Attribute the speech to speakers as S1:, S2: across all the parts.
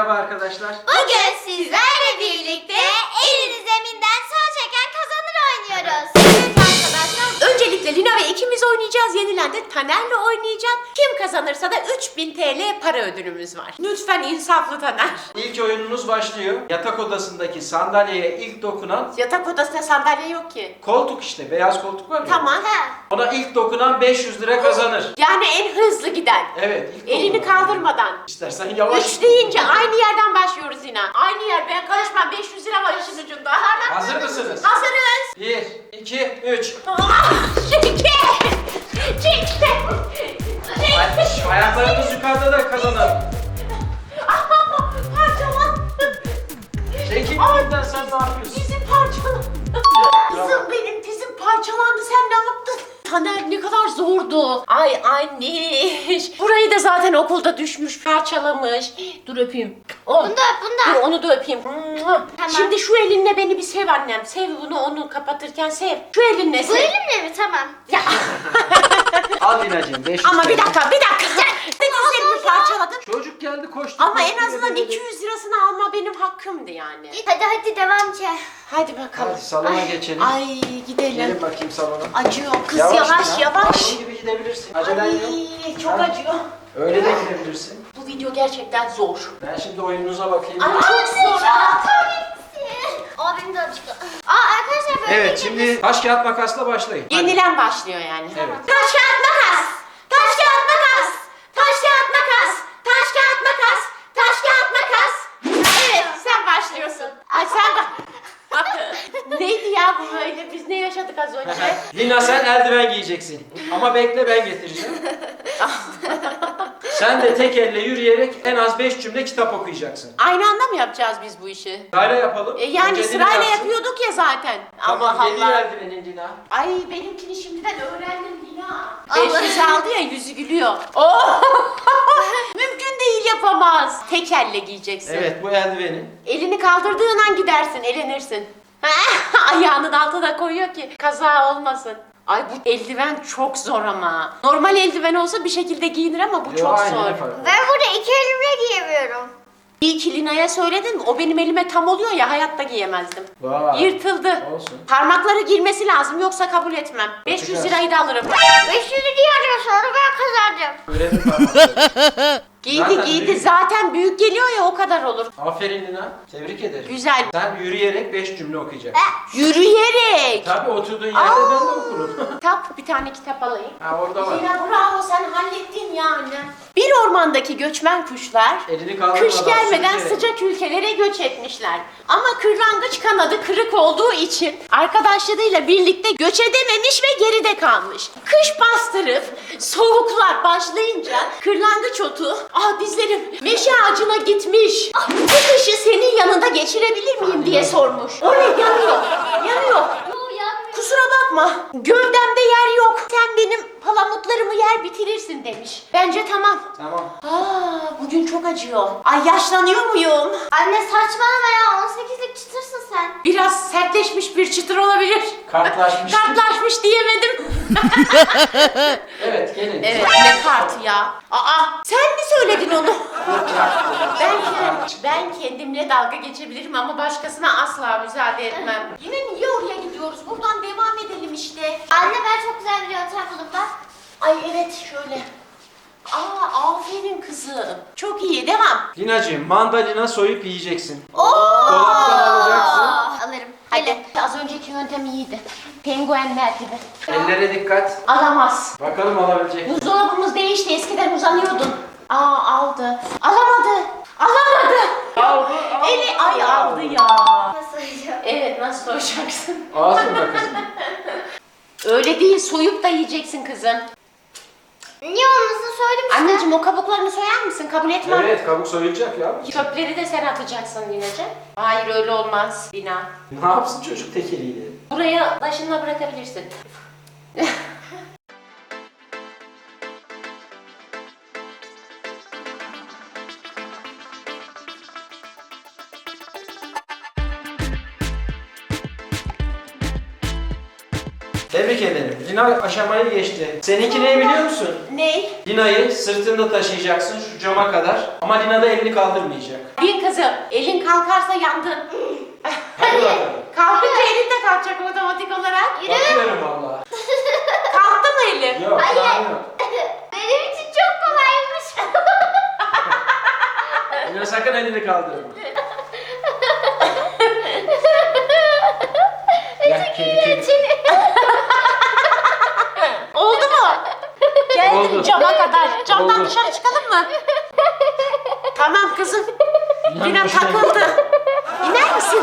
S1: Merhaba arkadaşlar.
S2: Bugün sizlerle birlikte elini zeminden sağ çeken kazanır oynuyoruz. Evet arkadaşlar.
S3: Öncelikle Lina ve ikimiz oynayacağız. Yenilen de Taner'le oynayacağım. Kim kazanırsa da 3000 TL para ödülümüz var. Lütfen insaflı Taner.
S1: İlk oyununuz başlıyor. Yatak odasındaki sandalyeye ilk dokunan
S3: Yatak odasında sandalye yok ki.
S1: koltuk işte. Beyaz koltuk var ya.
S3: Tamam.
S1: Ona ilk dokunan 500 lira kazanır.
S3: Yani en hızlı giden.
S1: Evet. ilk
S3: Elini
S1: dokunan.
S3: kaldırmadan.
S1: İstersen yavaş.
S3: 3 deyince aynı yerden başlıyoruz yine. Aynı yer. Ben karışmam. 500 lira var işin ucunda.
S1: Hazır mısınız?
S3: Hazırız.
S1: 1, 2, 3.
S3: Çekil.
S1: Ayaklarınız yukarıda da kazanır.
S3: Parçalan.
S1: Çekil önümden, sen ne yapıyorsun?
S3: Dizim parçalandı. Kızım benim dizim parçalandı. Sen ne yaptın? Taner ne kadar zordu. Ay anneş. Burayı da zaten okulda düşmüş, parçalamış. Dur öpeyim. Oh.
S2: Bunda.
S3: Dur onu da öpeyim.
S2: Tamam.
S3: Şimdi şu elinle beni bir sev annem. Sev bunu, onu kapatırken sev. Şu elinle sev.
S2: Bu elimle mi? Tamam.
S3: Ya.
S1: Al Lina'cığım 500
S3: Ama
S1: TL.
S3: bir dakika. Sen dizlerimi parçaladın.
S1: Çocuk geldi koştu.
S3: Ama en
S1: koştu,
S3: azından
S1: dedi.
S3: 200 lirasını alma benim hakkımdı yani.
S2: Hadi devam ki.
S3: Hadi bakalım.
S1: Hadi salona geçelim.
S3: Ay gidelim.
S1: Gelin bakayım salona.
S3: Acıyor kız yavaş.
S1: Lina. Olduğun gibi gidebilirsin. Acelen yok.
S3: Ay çok
S1: Ha?
S3: acıyor.
S1: Öyle de gidebilirsin.
S3: Bu video gerçekten zor.
S1: Ben şimdi oyununuza bakayım.
S3: Ay çok zor.
S2: Benim de acıktı. Arkadaşlar böyle
S1: Evet, şimdi taş kağıt makasla başlayın. Hadi.
S3: Yenilen başlıyor yani.
S1: Evet.
S3: Taş kağıt makas. Taş kağıt makas. Taş kağıt makas. Taş kağıt makas. Taş kağıt makas. Evet sen başlıyorsun. Ay sen neydi ya bu böyle? Biz ne yaşadık az önce?
S1: Lina sen eldiven giyeceksin. Ama bekle, ben getireceğim. Sen de tek elle yürüyerek en az 5 cümle kitap okuyacaksın.
S3: Aynı anda mı yapacağız biz bu işi?
S1: Sırayla yapalım.
S3: Yani
S1: Önce Lina
S3: sırayla
S1: yapsın.
S3: yapıyorduk ya zaten.
S1: Tamam,
S3: Allah
S1: geliyor
S3: Allah.
S1: eldivenin Lina.
S3: Ay benimkini şimdiden öğrendim Lina.
S2: Allah.
S3: 500 aldı ya yüzü gülüyor. Oh! Mümkün değil yapamaz. Tek elle giyeceksin.
S1: Evet, bu eldivenin.
S3: Elini kaldırdığın an gidersin, elenirsin. Ayağının altına koyuyor ki kaza olmasın. Ay bu eldiven çok zor ama. Normal eldiven olsa bir şekilde giyinir ama bu çok
S1: Aynen,
S3: zor.
S1: efendim.
S2: Ben burada iki elimle giyemiyorum.
S3: İyi ki Lina'ya söyledin mi? O benim elime tam oluyor ya hayatta giyemezdim.
S1: Vay.
S3: Yırtıldı.
S1: Olsun.
S3: Parmakları girmesi lazım yoksa kabul etmem. 500
S1: Bakacağız.
S3: lirayı da alırım.
S2: 500 lira sonra ben kazandım.
S1: Öğrenin parmakları.
S3: Giydi
S1: Zaten
S3: giydi
S1: büyük.
S3: zaten büyük geliyor ya o kadar olur.
S1: Aferin Lina. Tebrik ederim.
S3: Güzel.
S1: Sen yürüyerek 5 cümle okuyacaksın.
S3: Yürüyerek.
S1: Tabii oturduğun yerde ben de okurum.
S3: Kitap bir tane kitap alayım.
S1: Ha, orada var.
S3: Lina bravo sen hallettin yani. Bir ormandaki göçmen kuşlar
S1: Elini kaldırmadan
S3: kış gelmeden
S1: sürünerek.
S3: sıcak ülkelere göç etmişler. Ama kırlangıç kanadı kırık olduğu için arkadaşlarıyla birlikte göç edememiş ve geride kalmış. Kış bastırıp soğuklar başlayınca kırlangıç otu dizlerim meşe ağacına gitmiş. Bu kışı senin yanında geçirebilir miyim diye sormuş. O ne yanıyor. Yanıyor. Kusura bakma, gövdemde yer yok. Sen benim palamutlarımı yer bitirirsin demiş. Bence tamam.
S1: Tamam.
S3: Bugün çok acıyor. Ay yaşlanıyor muyum?
S2: Anne saçmalama ya, 18'lik çıtırsın sen.
S3: Biraz sertleşmiş bir çıtır olabilir.
S1: Kartlaşmış.
S3: Kartlaşmış diyemedim.
S1: Evet, gelin.
S3: Evet ne kartı ya? Sen mi söyledin onu? Ben kendimle dalga geçebilirim ama başkasına asla müsaade etmem. Yine niye oraya gidiyoruz? Buradan devam edelim işte.
S2: Anne ben çok güzel bir yöntem buldum bak.
S3: Ay evet şöyle. Aferin kızım. Çok iyi devam.
S1: Linacığım, mandalina soyup yiyeceksin. Dolaptan alacaksın.
S2: Alırım.
S3: Hadi. Az önceki yöntem iyiydi. Penguenler gibi.
S1: Ellere dikkat.
S3: Alamaz.
S1: Bakalım alabilecek mi?
S3: Buzdolabımız değişti. Eskiden uzanıyordun. Aldı. Alamadı.
S1: Aldı.
S3: Eli aldı ya.
S2: Nasıl yiyeceğim?
S3: Evet nasıl soyacaksın?
S1: Ağzında kızım.
S3: Öyle değil soyup da yiyeceksin kızım.
S2: Niye olmasını söyledim işte.
S3: Anneciğim o kabuklarını soyar mısın? Kabul etmem.
S1: Evet, kabuk soyulacak ya.
S3: Çöpleri de sen atacaksın Lina'cığım. Hayır öyle olmaz Lina.
S1: Ne yapsın çocuk tek eliyle?
S3: Buraya başına bırakabilirsin.
S1: Tebrik ederim. Lina aşamayı geçti. Seninki ne biliyor musun?
S3: Ne?
S1: Lina'yı sırtında taşıyacaksın şu cama kadar. Ama Lina da elini kaldırmayacak.
S3: Bir kızım, elin kalkarsa yandın.
S1: Hadi bakalım.
S3: Kalkınca elin de kalkacak otomatik olarak.
S1: Bakıyorum valla.
S3: Kalktı mı elin?
S1: Yok,
S2: Hayır.
S1: daha yok.
S2: Benim için çok kolaymış.
S1: Lina sakın elini kaldırma. Gel kedi kedi.
S3: Oldu mu? Geldin
S1: Oldu.
S3: cama kadar. Camdan
S1: Oldu.
S3: dışarı çıkalım mı? Tamam kızım. Lina
S1: hoşuna
S3: takıldı. İner misin?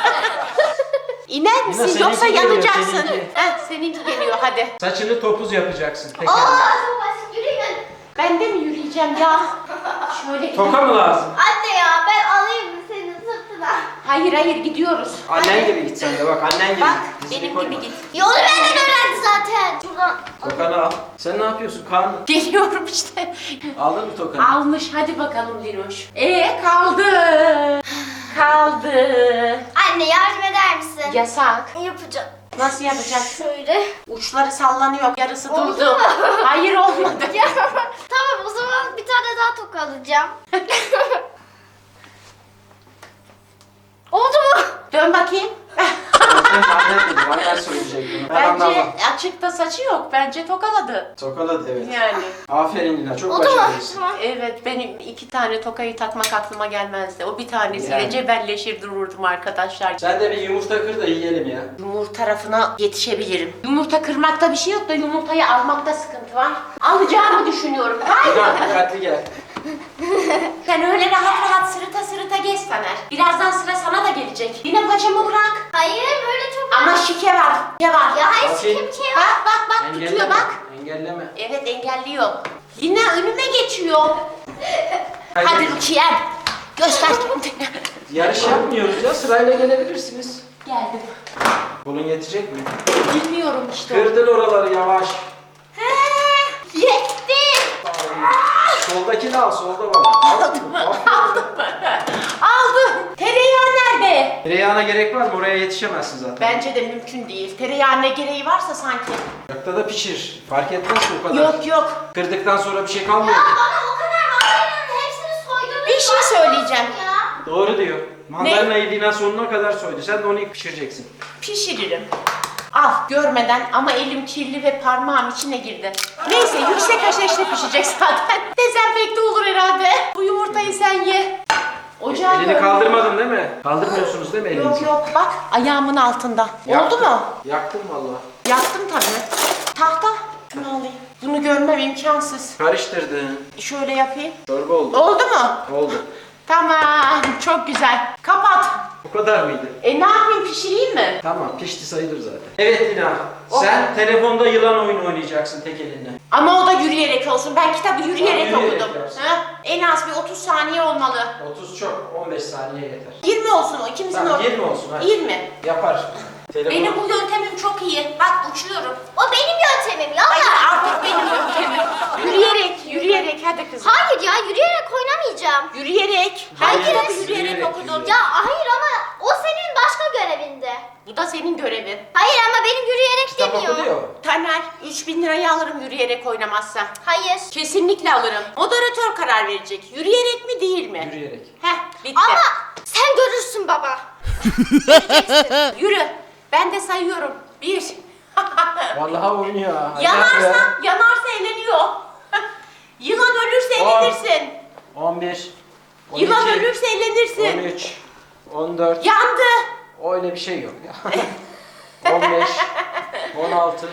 S3: İner misin
S1: seninki
S3: yoksa
S1: geliyor,
S3: yanacaksın.
S1: seninki.
S3: Seninki geliyor hadi.
S1: Saçını topuz yapacaksın tekerle.
S2: Çok basit yürüyün.
S3: Ben de mi yürüyeceğim ya? Şöyle
S1: Toka mı lazım?
S2: Anne ya ben alayım mı senin sırtına?
S3: Hayır gidiyoruz.
S1: Annen gibi git sen de bak annen gibi.
S3: Bak
S1: Dizini
S3: benim
S1: koyma.
S3: gibi git.
S2: Yolu benden öğrendi zaten. Şuradan.
S1: Tokanı al. Sen ne yapıyorsun Kaan?
S3: Geliyorum işte.
S1: Aldın mı tokanı?
S3: Almış hadi bakalım Diloş. Kaldı. Kaldı.
S2: Anne yardım eder misin?
S3: Yasak.
S2: Yapacağım.
S3: Nasıl yapacaksın?
S2: Şöyle.
S3: Uçları sallanıyor. Yarısı
S2: Oldu
S3: durdu.
S2: mu?
S3: Hayır olmadı.
S2: Ya, tamam o zaman bir tane daha toka alacağım. Oldu mu?
S3: Dön bakayım.
S1: Sen annen dedi. Annen söyleyecek bunu. Ben
S3: Bence
S1: anlamam.
S3: açıkta saçı yok. Bence tokaladı.
S1: Tokaladı evet.
S3: Yani.
S1: Aferin Lina çok
S2: Oldu mu?
S1: başarılısın.
S2: Tamam.
S3: Evet benim 2 tane tokayı takmak aklıma gelmezdi. O bir tanesiyle
S1: Yani.
S3: cebelleşir dururdum arkadaşlar.
S1: Sen de bir yumurta kır da yiyelim ya.
S3: Yumurta tarafına yetişebilirim. Yumurta kırmakta bir şey yok da yumurtayı almakta sıkıntı var. Alacağımı düşünüyorum. Hayır.
S1: Lina dikkatli gel.
S3: Sen öyle rahat rahat sırıta geç Taner. Birazdan sıra sana da gelecek. Yine paçamı bırak.
S2: Hayır böyle çok...
S3: Ama şike var. Şike var.
S2: Ya hayır
S1: Bakayım.
S2: kim şey
S3: Bak bak bak
S1: Engelleme.
S3: tutuyor bak.
S1: Engelleme.
S3: Evet engelliyor. Yine önüme geçiyor. Hadi Rukiye'm. Göster kendini.
S1: Yarış yapmıyoruz ya sırayla gelebilirsiniz.
S3: Geldim.
S1: Bunun yetecek mi?
S3: Bilmiyorum işte.
S1: Kırdın oraları yavaş.
S3: Yetti.
S1: Soldakini al solda var. Aldım.
S3: Aldım. Tereyağı nerede?
S1: Tereyağına gerek var mı? Oraya yetişemezsin zaten.
S3: Bence de mümkün değil. Tereyağı ne gereği varsa sanki.
S1: Ocakta da pişir. Fark etmez ki o kadar.
S3: Yok.
S1: Kırdıktan sonra bir şey kalmıyor.
S2: Ya bana o kadar mandalina'nın hepsini soydunuz.
S3: Bir şey söyleyeceğim.
S2: Ya.
S1: Doğru diyor. Mandalinayı Lina sonuna kadar soydu. Sen de onu ilk pişireceksin.
S3: Pişiririm. Al görmeden ama elim kirli ve parmağım içine girdi. Neyse yüksek ateşte pişecek zaten. Dezenfekte olur herhalde. Bu yumurtayı sen ye. Ocağı
S1: Elini
S3: görme.
S1: kaldırmadın değil mi? Kaldırmıyorsunuz değil mi elinizi?
S3: Yok bak ayağımın altında. Oldu
S1: Yaktım.
S3: mu?
S1: Yaktım valla.
S3: Yaktım tabii. Tahta. Şunu alayım. Bunu görmem imkansız.
S1: Karıştırdın.
S3: Şöyle yapayım.
S1: Çorba oldu.
S3: Oldu mu?
S1: Oldu.
S3: Tamam. Çok güzel. Kapat.
S1: Bu kadar mıydı?
S3: Ne yapayım pişireyim mi?
S1: Tamam pişti sayılır zaten. Evet Lina.
S3: Oh.
S1: Sen telefonda yılan oyunu oynayacaksın tek elinle.
S3: Ama o da yürüyerek olsun. Ben kitabı yürüyerek
S1: Tamam, yürüyerek
S3: okudum.
S1: yapsın.
S3: Ha? En az bir 30 saniye olmalı.
S1: 30 çok. 15 saniye yeter.
S3: 20 olsun o ikimizin
S1: Tamam
S3: ortası.
S1: 20 olsun hadi.
S3: 20.
S1: Yapar. Telefon.
S3: Benim bu yöntemim çok iyi. Bak uçuyorum.
S2: O benim yöntemim ya.
S3: Hayır artık benim yöntemim. Yürüyerek hadi kızım.
S2: Hayır ya yürüyerek oynamayacağım.
S3: Yürüyerek. Ben
S1: Hayır,
S3: kitabı
S1: yürüyerek,
S3: yürüyerek okudum.
S1: yürüyerek.
S2: Ya hayır ama o senin başka görevinde.
S3: Bu da senin görevin.
S2: Hayır ama benim yürüyerek
S1: Kitap
S2: demiyor.
S1: okunuyor.
S3: Taner 3000 lirayı alırım yürüyerek oynamazsa.
S2: Hayır.
S3: Kesinlikle alırım. Moderatör karar verecek. Yürüyerek mi değil mi?
S1: Yürüyerek.
S3: Heh bitti.
S2: Ama sen görürsün baba.
S3: Yürü. Ben de sayıyorum. 1.
S1: Vallahi oynuyor ha.
S3: Yanarsa eleniyor. Yılan ölürse
S1: On.
S3: elenirsin.
S1: 11. 12,
S3: Yılan ölürse elenirsin.
S1: 13. 14.
S3: Yandı.
S1: Öyle bir şey yok ya. 15. 16.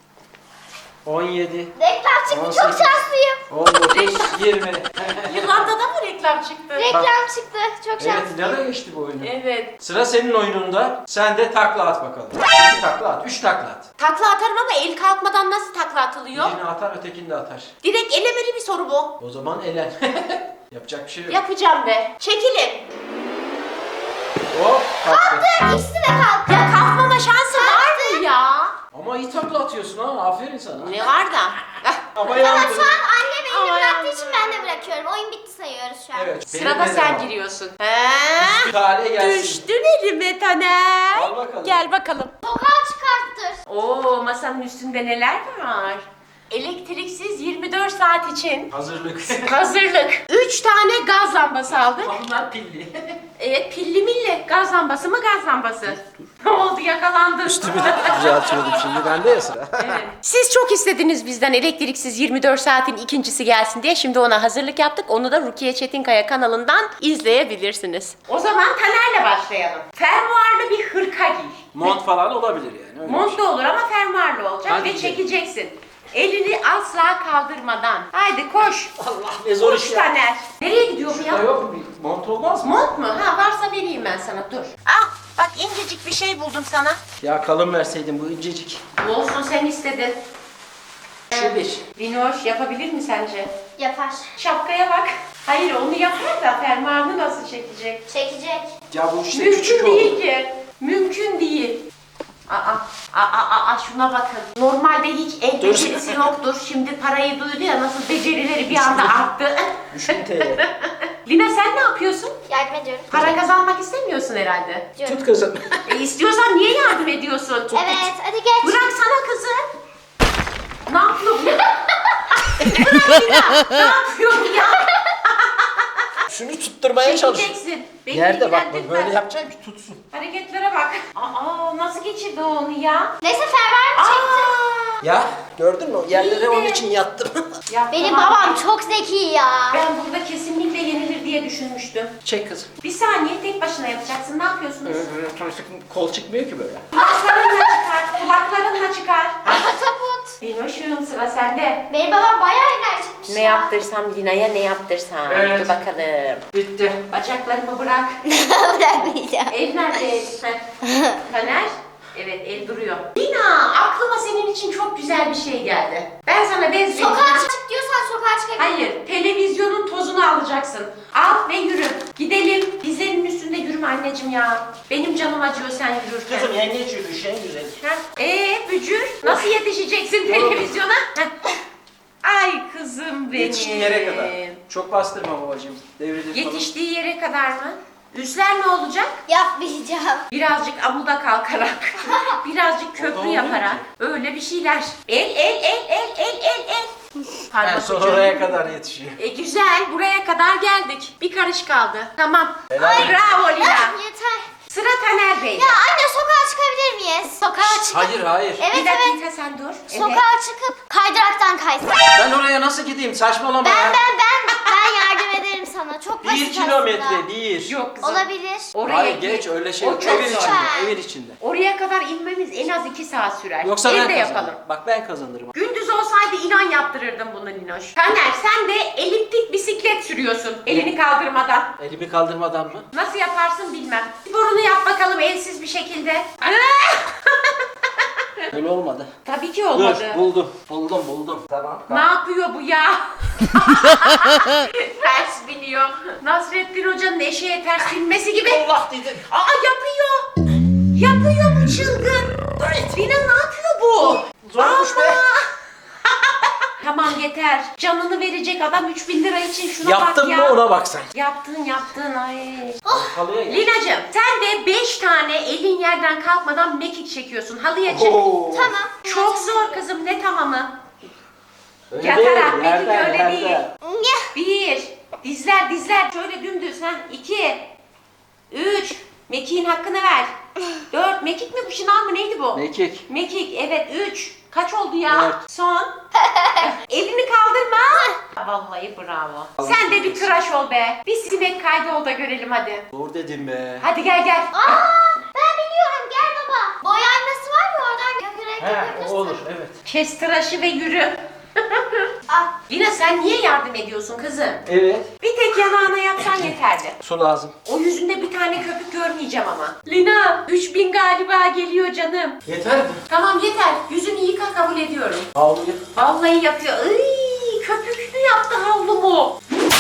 S1: 17.
S2: Reklam çıktı
S1: 18.
S2: çok şanslıyım.
S1: 19. 20.
S3: Yılanda da mı reklam çıktı?
S2: Reklam çıktı çok
S1: Evet
S2: şanslıyım.
S1: Lina da geçti bu oyunu.
S3: Evet.
S1: Sıra senin oyununda. Sen de takla at bakalım. 2 takla at. 3 takla at.
S3: Takla atarım ama el kalkmadan nasıl takla atılıyor?
S1: Birini atar ötekini de atar.
S3: Direkt elemeli bir soru bu.
S1: O zaman elen. Yapacak bir şey yok.
S3: Yapacağım be. Çekilin.
S1: Hop kalktı.
S2: İkisi de kalktı.
S3: Ya kalkmama şansı var mı ya?
S1: Ama iyi takla atıyorsun ha. Aferin sana.
S3: Ne var da?
S1: Ama
S2: Ama
S1: yandı.
S2: şu an annem elini
S3: Ama
S2: bıraktığı
S3: yandı.
S2: için ben de bırakıyorum. Oyun bitti sayıyoruz şu an.
S1: Evet.
S3: Sırada
S1: benimle
S3: sen
S1: devam.
S3: giriyorsun. He?
S1: Bir tane gelsin.
S3: Düştün elime Taner.
S1: Al bakalım.
S3: Gel bakalım.
S2: Sokağa çıkarttır.
S3: Oo, masanın üstünde neler var? Elektriksiz 24 saat için
S1: Hazırlık.
S3: hazırlık. 3 tane gaz lambası aldık.
S1: Bunlar pilli.
S3: Evet, pilli milli. Gaz lambası mı gaz lambası? Ne oldu, yakalandın?
S4: Üstümü de düzeltiyordum şimdi. Bende ya sıra.
S3: Evet. Siz çok istediniz bizden elektriksiz 24 saatin ikincisi gelsin diye. Şimdi ona hazırlık yaptık. Onu da Rukiye Çetinkaya kanalından izleyebilirsiniz. O zaman Taner'le başlayalım. Fermuarlı bir hırka giy.
S1: Mont falan olabilir yani. Öyle bir
S3: Mont
S1: şey.
S3: da olur ama fermuarlı olacak
S1: Hadi
S3: ve
S1: gidelim.
S3: çekeceksin. Elini asla kaldırmadan. Haydi koş.
S1: Allah ne zor
S3: Koş
S1: iş ya.
S3: Taner. Nereye gidiyor bu
S1: Şurada
S3: ya?
S1: yok mu? Bir mont olmaz mı?
S3: Mont mu? Ha, varsa vereyim ben sana, dur. Ah, bak incecik bir şey buldum sana.
S1: Ya kalın verseydin bu incecik.
S3: Olsun, sen istedin.
S1: Şu bir.
S3: Linoş yapabilir mi sence?
S2: Yapar.
S3: Şapkaya bak. Hayır, onu yapar da fermuarını nasıl çekecek?
S2: Çekecek.
S1: Ya bu işte
S3: Mümkün
S1: küçük
S3: değil
S1: oldu.
S3: ki. Mümkün değil. Şuna bakın. Normalde hiç el
S1: Dur.
S3: becerisi yoktur. Şimdi parayı duydu ya, nasıl becerileri bir anda arttı.
S1: 3000 TL.
S3: Lina, sen ne yapıyorsun?
S2: Yardım ediyorum.
S3: Para kazanmak istemiyorsun herhalde.
S2: Diyorum.
S1: Tut kızım.
S3: İstiyorsan niye yardım ediyorsun?
S2: Evet, hadi geç.
S3: Bıraksana kızı. Ne yapıyor bu ya? Bırak Lina. Ne yapıyor bu ya?
S1: Şunu tutturmaya çalış.
S3: Çekeceksin. Beni
S1: Yerde bak
S3: ilgilendirmez.
S1: böyle yapacaksın ki tutsun.
S3: Hareketlere bak. Nasıl geçirdi onu ya?
S2: Neyse fermuar çekti.
S1: Ya gördün mü? Yerlere onun için yattım.
S3: Ya
S2: Benim
S3: tamam.
S2: babam çok zeki ya.
S3: Ben burada kesinlikle yenilir diye düşünmüştüm.
S1: Çek kızım.
S3: Bir saniye, tek başına yapacaksın. Ne yapıyorsunuz?
S1: Kol çıkmıyor ki böyle.
S3: Kulaklarınla çıkar. Kulaklarınla çıkar.
S2: Pataput.
S3: Linoş'um, sıra sende.
S2: Benim babam bayağı enerjikmiş
S3: Ne
S2: ya.
S3: yaptırsam Lina'ya, ne yaptırsam.
S1: Evet.
S3: Dur bakalım.
S1: Bitti.
S3: Bacaklarımı bırak.
S2: Bırakmayacağım.
S3: El nerede? Taner? Evet, el duruyor. Lina, aklıma senin için çok güzel bir şey geldi. Ben sana benziyorum.
S2: Sokağa çık diyorsan sokağa çıkabilirim.
S3: Hayır, televizyonun tozunu alacaksın. Al ve yürü. Gidelim. Dizlerinin üstünde yürüme anneciğim ya. Benim canım acıyor sen yürürken.
S1: Kızım yengeç yürüyüş en güzel.
S3: Bücür, nasıl yetişeceksin televizyona? Heh. Ay kızım benim.
S1: Yetiştiği yere kadar. Çok bastırma babacığım. Devrilir falan.
S3: Yetiştiği yere kadar mı? Üstler ne olacak?
S2: Yapmayacağım.
S3: Birazcık amuda kalkarak, birazcık köprü
S1: olmuyor
S3: yaparak,
S1: ki.
S3: öyle bir şeyler. El.
S1: Yani
S3: Pardon
S1: sonra
S3: çocuğum.
S1: oraya kadar yetişiyor.
S3: Güzel, buraya kadar geldik. Bir karış kaldı. Tamam.
S1: Helal.
S3: Bravo Lina.
S2: Yeter.
S3: Sıra Taner Bey.
S2: Ya anne sokağa çıkabilir miyiz? Sokağa çıkıp.
S1: Hayır hayır.
S2: Evet
S3: Bir
S2: evet.
S3: dakika sen dur. Evet.
S2: Sokağa çıkıp kaydıraktan kaysın.
S1: Ben oraya nasıl gideyim? Saçmalama
S2: Ben
S1: ya.
S2: yardım ederim sana. Çok basit
S1: 1 kilometre
S2: aslında.
S1: değil.
S3: Yok kızım.
S2: Olabilir.
S3: Oraya
S1: Hayır
S3: git.
S1: geç öyle şey.
S3: O
S1: Evin
S3: çok
S1: içinde.
S2: zor.
S1: Evin içinde.
S3: Oraya kadar inmemiz en az 2 saat sürer.
S1: Yoksa ben
S3: Evde
S1: kazanırım.
S3: yapalım.
S1: Bak ben kazanırım.
S3: Gündüz olsaydı inan yaptırırdım bunu Linoş. Taner, sen de eliptik bisiklet sürüyorsun elini kaldırmadan.
S1: Elimi kaldırmadan mı?
S3: Nasıl yaparsın bilmem. Sporunu yap bakalım elsiz bir şekilde.
S1: Öyle olmadı.
S3: Tabii ki olmadı.
S1: Dur buldum. Tamam.
S3: Ne yapıyor bu ya? Ters biniyor. Nasrettin Hoca'nın eşeğe ters binmesi gibi.
S1: Allah dedim.
S3: Yapıyor. Yapıyor bu çılgın. Lina ne yapıyor bu?
S1: Zormuş be.
S3: Tamam yeter. Canını verecek adam 3000 lira için şuna
S1: Yaptın
S3: bak ya.
S1: mı ona bak sen.
S3: Yaptın ay.
S1: Halıya gel.
S3: Lina'cığım sen de 5 tane elin yerden kalkmadan mekik çekiyorsun. Halıya çık.
S1: Oo.
S2: Tamam.
S3: Çok zor kızım, ne tamamı?
S1: Öyle
S3: Yatarak,
S1: değil,
S3: mekik
S1: yerden,
S3: öyle
S1: yerden.
S3: değil.
S2: Nyah.
S3: 1, dizler şöyle dümdüz ha. 2, 3, mekiğin hakkını ver. 4, mekik mi bu, şınav mı neydi bu?
S1: Mekik.
S3: Mekik evet 3. Kaç oldu ya?
S1: Evet.
S3: Son. Elini kaldırma. Vallahi bravo. Sen de bir tıraş ol be. Bir sinek kaydı ol da görelim hadi.
S1: Zor dedim be.
S3: Hadi gel.
S2: Ben biliyorum gel baba. Boy aynası var ya oradan gökyüzüne
S1: He
S2: görebilirsin.
S1: o olur evet.
S3: Kes tıraşı ve yürü.
S2: Al.
S3: Lina sen niye yardım ediyorsun kızım?
S1: Evet.
S3: Bir tek yanağına yapsan yeterli.
S1: Su lazım.
S3: O yüzünde bir tane köpük görmeyeceğim ama. Lina 3000 galiba geliyor canım.
S1: Yeter mi?
S3: Tamam yeter. Yüzünü yıka, kabul ediyorum.
S1: Havluyu.
S3: Vallahi yapıyor. Iy, köpüklü yaptı havlumu.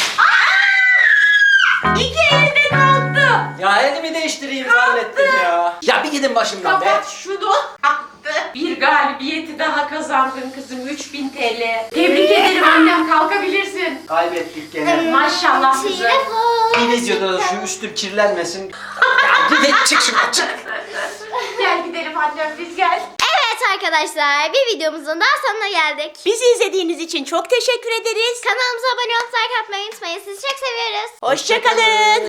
S3: İki elde kalktı.
S1: Ya elimi değiştireyim zannettim ya. Ya bir gidin başımdan be.
S3: Kapat şunu. Attı. Bir galibiyeti daha kazandın kızım. 3000 TL. Tebrik ederim annem, kalkabilirsin.
S1: Kaybettik gene.
S3: Maşallah kızım.
S2: Telefon.
S1: Bir videoda da şu üstüm kirlenmesin. Ya gidin çık şuradan çık.
S3: Gel gidelim annem, biz gel.
S2: Evet arkadaşlar, bir videomuzun daha sonuna geldik.
S3: Bizi izlediğiniz için çok teşekkür ederiz.
S2: Kanalımıza abone olup like atmayı unutmayın. Sizi çok seviyoruz.
S3: Hoşçakalın.